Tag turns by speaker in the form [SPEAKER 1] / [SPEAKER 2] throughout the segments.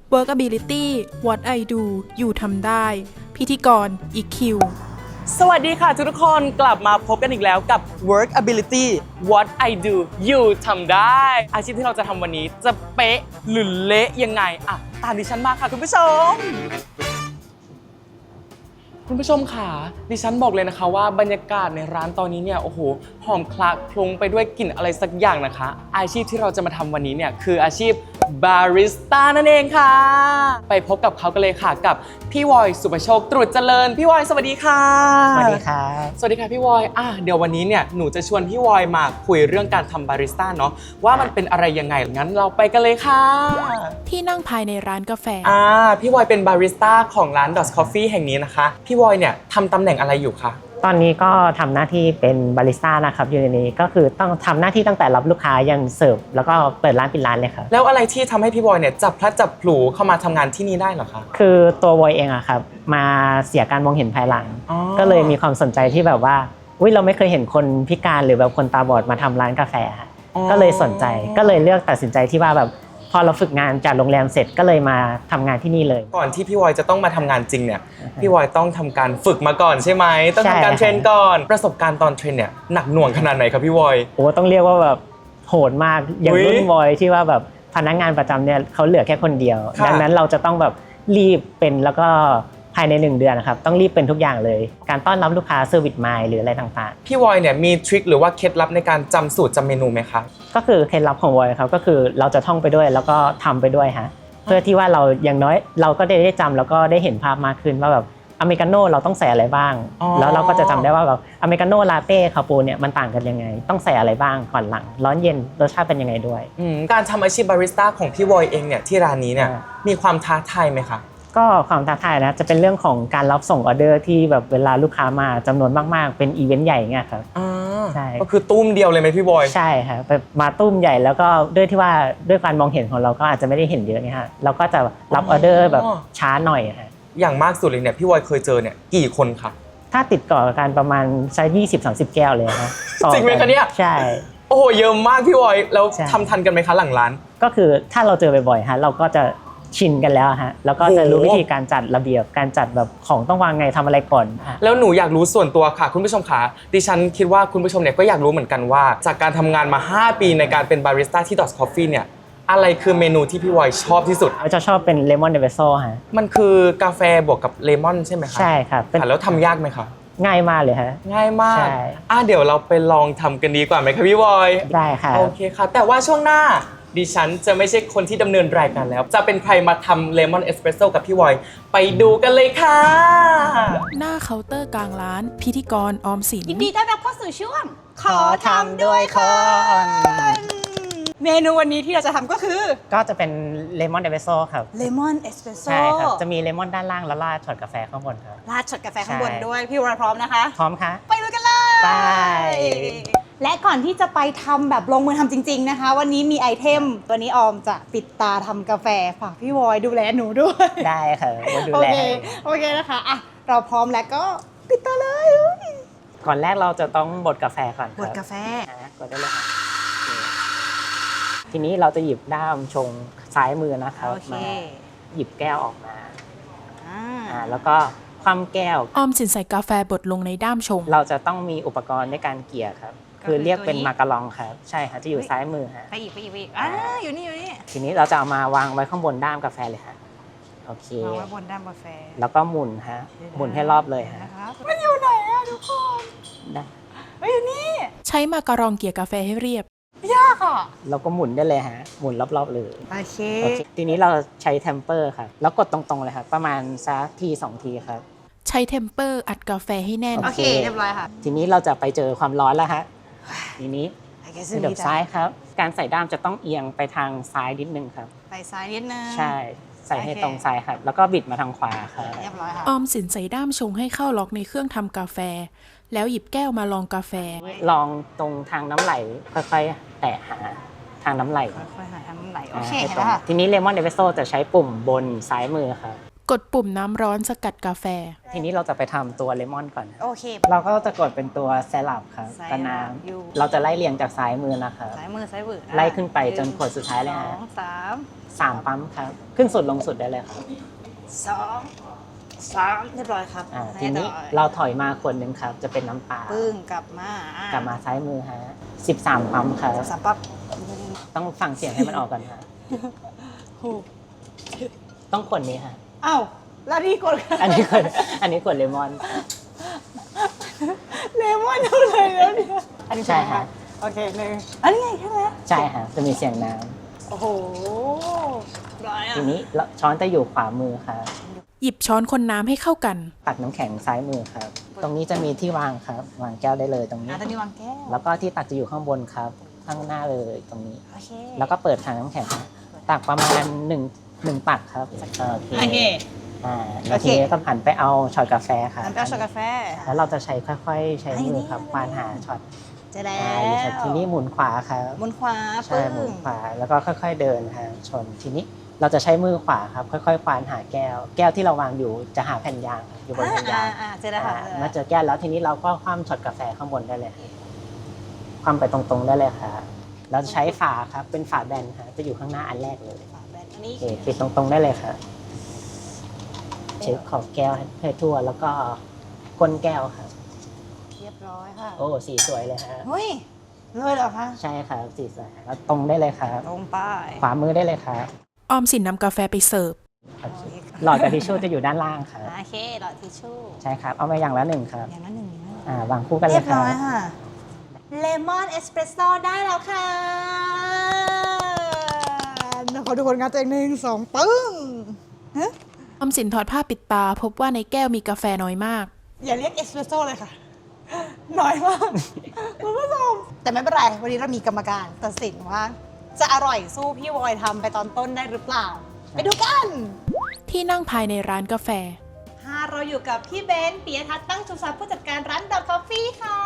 [SPEAKER 1] Workability What I Do อยู่ทำได้ พิธีกร EQ
[SPEAKER 2] สวัสดีค่ะทุกคนกลับมาพบกันอีกแล้วกับ Workability What I Do อยู่ทำได้ อาชีพที่เราจะทำวันนี้จะเป๊ะหรือเละยังไงตามดิฉันมาค่ะคุณผู้ชมค่ะดิฉันบอกเลยนะคะว่าบรรยากาศในร้านตอนนี้เนี่ยโอ้โหหอมคละคลุ้งไปด้วยกลิ่นอะไรสักอย่างนะคะอาชีพที่เราจะมาทำวันนี้เนี่ยคืออาชีพบาริสต้านั่นเองค่ะไปพบกับเขากันเลยค่ะกับพี่วอยสุภโชคตรุษเจริญพี่วอยสวัสดีค่ะ
[SPEAKER 3] สวัสดีครับ
[SPEAKER 2] สวัสดีค่ะพี่วอยเดี๋ยววันนี้เนี่ยหนูจะชวนพี่วอยมาคุยเรื่องการทำบาริสต้าเนาะว่ามันเป็นอะไรยังไงงั้นเราไปกันเลยค่ะ
[SPEAKER 1] ที่นั่งภายในร้านกาแฟ
[SPEAKER 2] พี่วอยเป็นบาริสต้าของร้าน Dot Coffee แห่งนี้นะคะพี่วอยเนี่ยทำตำแหน่งอะไรอยู่คะ
[SPEAKER 3] ตอนนี้ก็ทำหน้าที่เป็นบาริสต้านะครับอยู่ในนี้ก็คือต้องทำหน้าที่ตั้งแต่รับลูกค้ายันเสิร์ฟแล้วก็เปิดร้านปิดร้านเลยครับ
[SPEAKER 2] แล้วอะไรที่ทำให้พี่วอยเนี่ยจับพลัดจับผลูเข้ามาทำงานที่นี่ได้เหรอคะ
[SPEAKER 3] คือตัววอยเองอะครับมาเสียการมองเห็นภายหลังก็เลยมีความสนใจที่แบบว่าเราไม่เคยเห็นคนพิการหรือแบบคนตาบอดมาทำร้านกาแฟก็เลยสนใจก็เลยเลือกตัดสินใจที่ว่าแบบพอเราฝึกงานจากโรงแรมเสร็จก็เลยมาทำงานที่นี่เลย
[SPEAKER 2] ก่อนที่พี่วอยจะต้องมาทำงานจริงเนี่ยพี่วอยต้องทำการฝึกมาก่อนใช่ไหมต้องทำการเทรนก่อนประสบการณ์ตอนเทรนเนี่ยหนักหน่วงขนาดไหนครับพี่วอย
[SPEAKER 3] ต้องเรียกว่าแบบโหดมากอย่างรุ่นวอยที่ว่าแบบพนักงานประจำเนี่ยเขาเหลือแค่คนเดียวดังนั้นเราจะต้องแบบรีบเป็นแล้วก็ภายใน1 เดือนนะครับต้องรีบเป็นทุกอย่างเลยการต้อนรับลูกค้าเซอร์วิสมายหรืออะไรต่าง
[SPEAKER 2] ๆพี่วอยเนี่ยมีทริคหรือว่าเคล็ดลับในการจำสูตรจำเมนูไหมคะ
[SPEAKER 3] ก็คือเคล็ดลับของวอยครับก็คือเราจะท่องไปด้วยแล้วก็ทำไปด้วยฮะเพื่อที่ว่าเราอย่างน้อยเราก็ได้จำแล้วก็ได้เห็นภาพมากขึ้นว่าแบบอเมริกาโน่เราต้องใส่อะไรบ้างแล้วเราก็จะจำได้ว่าแบบอเมริกาโน่ลาเต้คาปูเนี่ยมันต่างกันยังไงต้องใส่อะไรบ้างก่อนหลังร้อนเย็นรสชาติเป็นยังไงด้วย
[SPEAKER 2] การทำอาชีพบาริสต้าของพี่วอยเองเนี่ยที่ร้านนี้เนี่ยมีความท้าทายไหมคะ
[SPEAKER 3] ก็ความท้าทายนะจะเป็นเรื่องของการรับส่งออเดอร์ที่แบบเวลาลูกค้ามาจำนวนมากๆเป็นอีเวนต์ใหญ่เงี้ยครับ
[SPEAKER 2] ใช่ก็คือตุ้มเดียวเลยไหมพี่บอย
[SPEAKER 3] ใช่ครับมาตุ้มใหญ่แล้วก็ด้วยที่ว่าด้วยการมองเห็นของเราก็อาจจะไม่ได้เห็นเยอะเนี่ยฮะเราก็จะรับออเดอร์แบบช้าหน่อยฮะ
[SPEAKER 2] อย่างมากสุดเลยเนี่ยพี่บอยเคยเจอเนี่ยกี่คนคะ
[SPEAKER 3] ถ้าติดต่อกันประมาณใช้20-30 แก้วเลยครับ
[SPEAKER 2] จริงไหมคะเนี่ย
[SPEAKER 3] ใช่
[SPEAKER 2] โอ้โหเยอะมากพี่บอยแล้วทำทันกันไหมคะหลังร้าน
[SPEAKER 3] ก็คือถ้าเราเจอบ่อยๆฮะเราก็จะชินกันแล้วฮะแล้วก็จะรู้วิธีการจัดระเบียบการจัดแบบของต้องวางไงทำอะไรก่อน
[SPEAKER 2] แล้วหนูอยากรู้ส่วนตัวค่ะคุณผู้ชมค่ะดิฉันคิดว่าคุณผู้ชมเนี่ยก็อยากรู้เหมือนกันว่าจากการทำงานมา5 ปีในการเป็นบาริสต้าที่ Dot Coffee เนี่ยอะไรคือเมนูที่พี่วอยชอบที่สุด
[SPEAKER 3] จะชอบเป็นเลมอนเนเวโซ่ฮะ
[SPEAKER 2] มันคือกาแฟบวกกับเลมอนใช่ไหมคะ
[SPEAKER 3] ใช่ครับ
[SPEAKER 2] แล้วทำยากไหมคะ
[SPEAKER 3] ง่ายมากเลยฮะ
[SPEAKER 2] ง่ายมากเดี๋ยวเราไปลองทำกันดีกว่าไหมคะพี่วอย
[SPEAKER 3] ได้ค่ะ
[SPEAKER 2] โอเคค่ะแต่ว่าช่วงหน้าดิฉันจะไม่ใช่คนที่ดำเนินรายการแล้วจะเป็นใครมาทำเลมอนเอสเปรสโซ่กับพี่วอยไปดูกันเลยค่ะ
[SPEAKER 1] หน้าเคาน์เตอร์กลางร้านพิธีกรออมสิน
[SPEAKER 4] ยินดีต้อนรับเข้าสู่ช่วงขอทำด้วยคนเมนูวันนี้ที่เราจะทำก็คือ
[SPEAKER 3] ก็จะเป็นเลมอนเอสเปรสโซ่ครับ
[SPEAKER 4] เลมอนเอสเปรสโซ่
[SPEAKER 3] ใช่ครับจะมีเลมอนด้านล่างแล้วราดช็อตกาแฟข้างบนครับ
[SPEAKER 4] ราดช็อตกาแฟข้างบนด้วยพี่วอยพร้อมนะคะ
[SPEAKER 3] พร้อมค่ะ
[SPEAKER 4] ไปดูกันเลย
[SPEAKER 3] ไป
[SPEAKER 4] และก่อนที่จะไปทำแบบลงมือทำจริงๆนะคะวันนี้มีไอเทมวันนี้ออมจะปิดตาทำกาแฟฝากพี่วอยดูแลหนูด้วย
[SPEAKER 3] ได้ค่ะดูแล
[SPEAKER 4] โอเคนะคะเราพร้อมแล้วก็ปิดตาเลย
[SPEAKER 3] ก่อนแรกเราจะต้องบดกาแฟก่อน
[SPEAKER 4] บดกาแฟ
[SPEAKER 3] กดได้เลยค่ะทีนี้เราจะหยิบด้ามชงซ้ายมือนะครับมาหยิบแก้วออกมาแล้วก็คว่ำแก้ว
[SPEAKER 1] ออมสินใส่กาแฟบดลงในด้ามชง
[SPEAKER 3] เราจะต้องมีอุปกรณ์ในการเกี่ยครับคือเรียกเป็นมาการองครับใช่ค่ะจะอยู่ซ้ายมือฮะ
[SPEAKER 4] ไปอีกอยู่นี่
[SPEAKER 3] ทีนี้เราจะเอามาวางไว้ข้างบนด้ามกาแฟเลยค่ะโอเคว
[SPEAKER 4] างไว้บนด้ามกาแฟ
[SPEAKER 3] แล้วก็หมุนฮะหมุนให้รอบเลยฮะ
[SPEAKER 4] มันอยู่ไหนอะทุกคน
[SPEAKER 3] ได้
[SPEAKER 4] อยู่นี่
[SPEAKER 1] ใช้มาการองเกี่ยกาแฟให้เรียบ
[SPEAKER 4] ยากอ่ะ
[SPEAKER 3] เราก็หมุนได้เลยฮะหมุนรอบๆเลย
[SPEAKER 4] โอเค
[SPEAKER 3] ทีนี้เราใช้เทมเปอร์ครับแล้วกดตรงๆเลยครับประมาณสักที2 ทีครับ
[SPEAKER 1] ใช้เทมเปอร์อัดกาแฟให้แน่น
[SPEAKER 4] โอเคเรียบร้อยค่ะ
[SPEAKER 3] ทีนี้เราจะไปเจอความร้อนแล้วฮะทีนี้เดี๋ยวซ้ายครับการใส่ด้ามจะต้องเอียงไปทางซ้ายนิดนึงครับ
[SPEAKER 4] ไปซ้ายนิดนึง
[SPEAKER 3] ใช่ใส่ให้ตรงซ้ายครับแล้วก็บิดมาทางขวาครับ
[SPEAKER 4] เรียบร้อยค่ะ
[SPEAKER 1] ออมสินใส่ด้ามชงให้เข้าล็อกในเครื่องทำกาแฟแล้วหยิบแก้วมาลองกาแฟ
[SPEAKER 3] ลองตรงทางน้ำไหลค่อยๆแตะหาทางน้ำไหล
[SPEAKER 4] ค่อยๆหาทางน้ำไหลโอเคเห็นแล้วค่ะ
[SPEAKER 3] ทีนี้เลมอนเอสเปรสโซ่จะใช้ปุ่มบนซ้ายมือครับ
[SPEAKER 1] กดปุ่มน้ำร้อนสกัดกาแฟ
[SPEAKER 3] ทีนี้เราจะไปทำตัวเลมอนก่อน
[SPEAKER 4] โอเค
[SPEAKER 3] เราก็จะกดเป็นตัวแซลับครับ
[SPEAKER 4] ไซรัป
[SPEAKER 3] กับน้
[SPEAKER 4] อยู่
[SPEAKER 3] ำเราจะไล่เรียงจากซ้ายมือนะครับ
[SPEAKER 4] ซ้ายมือซ้ายมือ
[SPEAKER 3] ไล่ขึ้นไปจนขวดสุดท้ายเลยฮะ
[SPEAKER 4] 1 2 3
[SPEAKER 3] 3 ปั๊มครับ ขึ้นสุดลงสุดได้เลยครับ
[SPEAKER 4] 2 3เรียบร้อยครับ
[SPEAKER 3] ทีนี้
[SPEAKER 4] ให้ต่อ
[SPEAKER 3] เราถอยมาขวดหนึ่งครับ จะเป็นน้ำเปล่า
[SPEAKER 4] ปึ้งกลับมาก
[SPEAKER 3] ลับมาซ้ายมือฮะ13 ปั๊มครับ
[SPEAKER 4] สามปั๊บ
[SPEAKER 3] ต้องฟังเสียงให้มันออกก่อนฮะต้องขวดนี้ฮะ
[SPEAKER 4] อ้าวแล้วนี่กด
[SPEAKER 3] อันนี้ขวดเลมอน
[SPEAKER 4] เลมอนเท่าไหร่แล้วเนี่ยอันนี้
[SPEAKER 3] ใช่ฮะ
[SPEAKER 4] โอเคหนึ่งอันนี้ไงแค่นั้น
[SPEAKER 3] ใช่ฮะจะมีเสียงน้
[SPEAKER 4] โอ้โหร้อย
[SPEAKER 3] ำ
[SPEAKER 4] อ่ะ
[SPEAKER 3] ทีนี้ช้อนจะอยู่ขวามือครับ
[SPEAKER 1] หยิบช้อนคนน้ำให้เข้ากัน
[SPEAKER 3] ตักน้ำแข็งซ้ายมือครับ ตรงนี้จะมีที่วางครับ วางแก้วได้เลยตรงนี้
[SPEAKER 4] ตอนนี้วางแก้ว
[SPEAKER 3] แล้วก็ที่ตักจะอยู่ข้างบนครับ ข้างหน้าเลยตรงนี้
[SPEAKER 4] โอเค
[SPEAKER 3] แล้วก็เปิดถังน้ำแข็งฮะตักประมาณ1ตักครับ โอเค
[SPEAKER 4] โอเค
[SPEAKER 3] แล้วทีนี้ก็หันไปเอาช็อตกาแฟค่ะ
[SPEAKER 4] น้ำแป้งช็อกกาแฟ
[SPEAKER 3] แล้วเราจะใช้ค่อยๆ ใช้มือครับ
[SPEAKER 4] อันนี้
[SPEAKER 3] ควานหาช็อต
[SPEAKER 4] เจะแล้
[SPEAKER 3] ทีนี้หมุนขวาครับ
[SPEAKER 4] บนขวา
[SPEAKER 3] ใช่หมุนขวาแล้วก็ค่อยๆเดินฮะชนทีนี้เราจะใช้มือขวาครับ ค่อยๆควานหาแก้ว แก้วที่เราวางอยู่จะหาแผ่นยางครับอยู่บนแผ่นยาง
[SPEAKER 4] เจะแล้วค่ะ
[SPEAKER 3] มาเจอแก้วแล้วทีนี้เราก็คว่ำช็อตกาแฟข้างบนได้เลยครับคว่ำไปตรงๆได้เลยครับเราจะใช้ฝาครับเป็นฝาแบนฮะจะอยู่ข้างหน้าอันแรกเลย
[SPEAKER 4] ฝาแบนอันนี้
[SPEAKER 3] โอเคปิดตรงๆได้เลยครับเช็คขอบแก้วให้ทั่วแล้วก็ก้นแก้วครับ
[SPEAKER 4] เรียบร้อยค่ะ
[SPEAKER 3] โอ้สีสวยเลยฮะ
[SPEAKER 4] เฮ้ยเลยเหรอคะ
[SPEAKER 3] ใช่ครับสีสวยแล้วตรงได้เลยครับ
[SPEAKER 4] ตรงป้าย
[SPEAKER 3] ขวามือได้เลยครับ
[SPEAKER 1] ออมสินนำกาแฟไปเสิร์ฟ
[SPEAKER 3] หลอดกับทิชชู่จะอยู่ด้านล่างครับ
[SPEAKER 4] โอเคหลอดทิชชู่
[SPEAKER 3] ใช่ครับ เอามาอย่างละหนึ่งครับ
[SPEAKER 4] อย่างนั้นหนึ่งอย่างนั้น
[SPEAKER 3] วางคู่กันเล
[SPEAKER 4] เรีย
[SPEAKER 3] ย
[SPEAKER 4] บ
[SPEAKER 3] ครั
[SPEAKER 4] ร้
[SPEAKER 3] บ
[SPEAKER 4] อยค่ะเลมอนเอสเปรสโซ่ได้แล้วค่ะขอทุกคนงัดตัวเอง1 2 ปึ้ง
[SPEAKER 1] ออมสินถอดผ้าปิดตา พบว่าในแก้วมีกาแฟน้อยมาก
[SPEAKER 4] อย่าเรียกเอสเปรสโซ่เลยค่ะ น้อยมากคุณผู้ชมแต่ไม่เป็นไร วันนี้เรามีกรรมการตัดสินว่า จะอร่อยสู้พี่วอยทำไปตอนต้นได้หรือเปล่า ไปดูกัน
[SPEAKER 1] ที่นั่งภายในร้านกาแฟ
[SPEAKER 4] เราอยู่กับพี่เบนซ์ปิยทัศน์ตั้งชูทรัพย์ผู้จัดการร้านดอกกาแฟค่ะ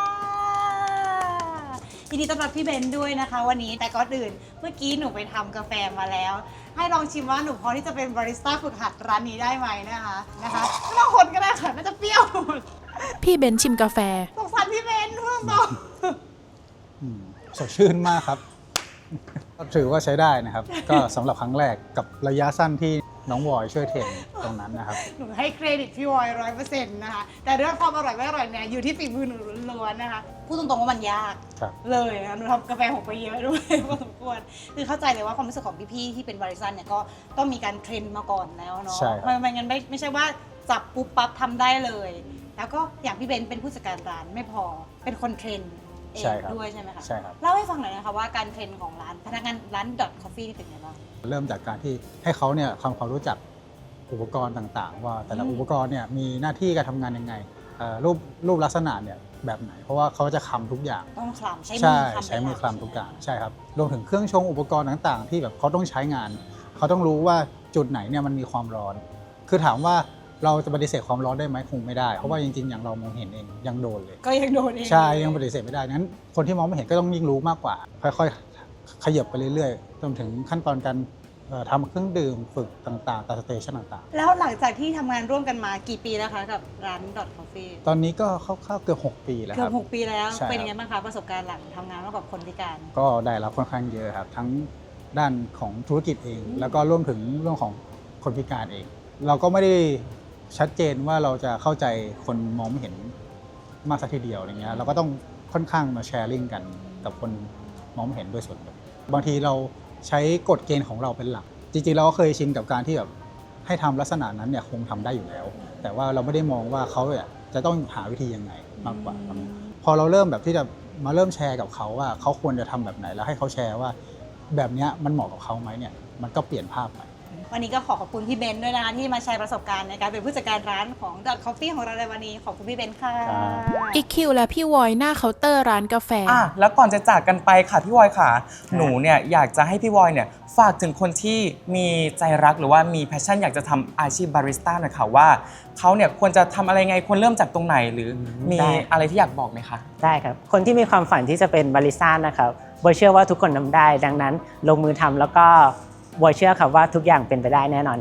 [SPEAKER 4] ยินดีต้อนรับพี่เบนซ์ด้วยนะคะ วันนี้แต่ก่อนอื่นเมื่อกี้หนูไปทำกาแฟมาแล้ว ให้ลองชิมว่าหนูพอที่จะเป็นบาริสต้าฝึกหัดร้านนี้ได้ไหมนะคะไม่ต้องคนก็ได้ค่ะน่าจะเปรี้ยว
[SPEAKER 1] พี่เบนชิมกาแฟ
[SPEAKER 4] สงสารพี่เบนซ์เพื่อนบอก
[SPEAKER 5] สดชื่นมากครับ ก็ถือว่าใช้ได้นะครับ ก็สำหรับครั้งแรกกับระยะสั้นที่น้องวอยช่วยเทรนตรงนั้นนะครับ
[SPEAKER 4] หนูให้เครดิตพี่วอย100%นะคะแต่เรื่องความอร่อยไม่อร่อยเนี่ยอยู่ที่ฝีมือหนูล้วนๆนะคะพูดตรงๆว่ามันยาก
[SPEAKER 5] ครับ
[SPEAKER 4] เลยนะหนูทำกาแฟหกไปเยอะด้วย พอสมควรคือเข้าใจเลยว่าความรู้สึกของพี่ๆที่เป็นบริษัทเนี่ยก็ต้องมีการเทรนมาก่อนแล้วเนาะ
[SPEAKER 5] ใช่ครับ
[SPEAKER 4] ไม่งั้นไม่ใช่ว่าจับปุ๊บปั๊บทำได้เลย แล้วก็อย่างพี่เบนเป็นผู้จัดการร้านไม่พอเป็นคนเทรนเอง
[SPEAKER 5] ใช่ครับ
[SPEAKER 4] ด้วยใช่ไหมคะ
[SPEAKER 5] ใช่ครับ
[SPEAKER 4] เล่าให้ฟังหน่อยนะคะว่าการเทรนของร้านพนักงานร้านดอทคอฟฟี่นี่เป็นไงบ้าง
[SPEAKER 5] เริ่มจากการที่ให้เขาเนี่ยทำความรู้จักอุปกรณ์ต่างๆ ว่าแต่ละอุปกรณ์เนี่ยมีหน้าที่การทำงานยังไงรูปลักษณะเนี่ยแบบไหน เพราะว่าเขาจะคำทุกอย่าง
[SPEAKER 4] ต้องคลำใช้มื
[SPEAKER 5] ใช่
[SPEAKER 4] อคลำ
[SPEAKER 5] ใช้มือ
[SPEAKER 4] เป็นหลั
[SPEAKER 5] คลำทุกอย่างใช่ครับรวมถึงเครื่องชงอุปกรณ์ต่างๆ ที่แบบเขาต้องใช้งาน เขาต้องรู้ว่าจุดไหนเนี่ยมันมีความร้อน คือถามว่าเราจะปฏิเสธความร้อนได้ไหมคงไม่ได้ เพราะว่าจริงๆ อย่างเรามองเห็นเองยังโดนเลย
[SPEAKER 4] ก็ยังโดนเอง
[SPEAKER 5] ใช่ยังปฏิเสธไม่ได้นั้นคนที่มองไม่เห็นก็ต้องยิ่งรู้มากกว่า ค่อยๆ ขยับไปเรื่อยๆจนถึงขั้นตอนการทำเครื่องดื่มฝึกต่างๆตามสเตชันต่าง
[SPEAKER 4] แล้วหลังจากที่ทำงานร่วมกันมากี่ปีแล้วคะกับร้านดอทคอฟฟี่
[SPEAKER 5] ๆ ตอนนี้ก็คร่าวๆเกือบ6 ปีแล้ว
[SPEAKER 4] เกื
[SPEAKER 5] ค
[SPEAKER 4] อ
[SPEAKER 5] รั
[SPEAKER 4] บบ 6 ปีแล้ว
[SPEAKER 5] ใช่ครับ
[SPEAKER 4] เป็นยังไงบ้างคะประสบการณ์หลังทำงานร่วมกับคนพิการ
[SPEAKER 5] ก็ได้รับค่อนข้างเยอะครับทั้งด้านของธุรกิจเอง แล้วก็รวมถึงเรื่องของคนพิการเอง เราก็ไม่ได้ชัดเจนว่าเราจะเข้าใจคนมองไม่เห็นมากสักทีเดียวอะไรเงี้ยเราก็ต้องค่อนข้างมาแชร์ลิงกันกับคนมองไม่เห็นด้วยส่วนหนึ่งบางทีเราใช้กฎเกณฑ์ของเราเป็นหลัก จริงๆเราก็เคยชินกับการที่แบบให้ทำลักษณะนั้นเนี่ยคงทำได้อยู่แล้ว แต่ว่าเราไม่ได้มองว่าเขาเนี่ยจะต้องหาวิธียังไงมากกว่าครับพอเราเริ่มแบบที่จะมาเริ่มแชร์กับเขาว่าเขาควรจะทำแบบไหนแล้วให้เขาแชร์ว่าแบบเนี้ยมันเหมาะกับเขาไหมเนี่ยมันก็เปลี่ยนภาพไป
[SPEAKER 4] วันนี้ก็ขอบคุณพี่เบนซ์ด้วยนะคะที่มาแชร์ประสบการณ์ในการเป็นผู้จัดการร้านของ Dot Coffee ของเราในวันนี้ขอบคุณพี่เบนซ์ค่ะ
[SPEAKER 1] อีคิวและพี่วอยหน้าเคาน์เตอร์ร้านกาแฟ
[SPEAKER 2] แล้วก่อนจะจากกันไปค่ะพี่วอยค่ะ หนูเนี่ยอยากจะให้พี่วอยเนี่ยฝากถึงคนที่มีใจรักหรือว่ามีแพชชั่นอยากจะทำอาชีพบาริสต้าหน่อยค่ะว่าเขาเนี่ยควรจะทำอะไรไงควรเริ่มจากตรงไหนหรือมี
[SPEAKER 3] ได้
[SPEAKER 2] อะไรที่อยากบอกไหมคะ
[SPEAKER 3] ได้ครับ คนที่มีความฝันที่จะเป็นบาริสต้านะครับบอยเชื่อว่าทุกคนทำได้ ดังนั้นลงมือทำแล้วก็บอยเชื่อครับว่าทุกอย่างเป็นไปได้แน่นอนฮะ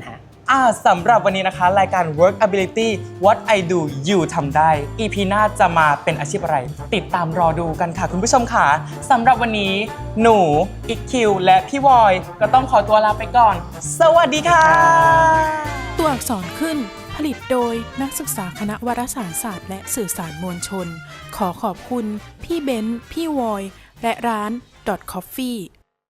[SPEAKER 2] สำหรับวันนี้นะคะรายการ Workability What I Do You ทำได้ EP หน้าจะมาเป็นอาชีพอะไร ติดตามรอดูกันค่ะคุณผู้ชมค่ะสำหรับวันนี้หนูอิกคิวและพี่วอยก็ต้องขอตัวลาไปก่อน สวัสดีค่ะ
[SPEAKER 1] ตัวอักษรขึ้นผลิตโดยนักศึกษาคณะวารสารศาสตร์และสื่อสารมวลชน ขอขอบคุณพี่เบนซ์พี่วอยและร้าน .coffee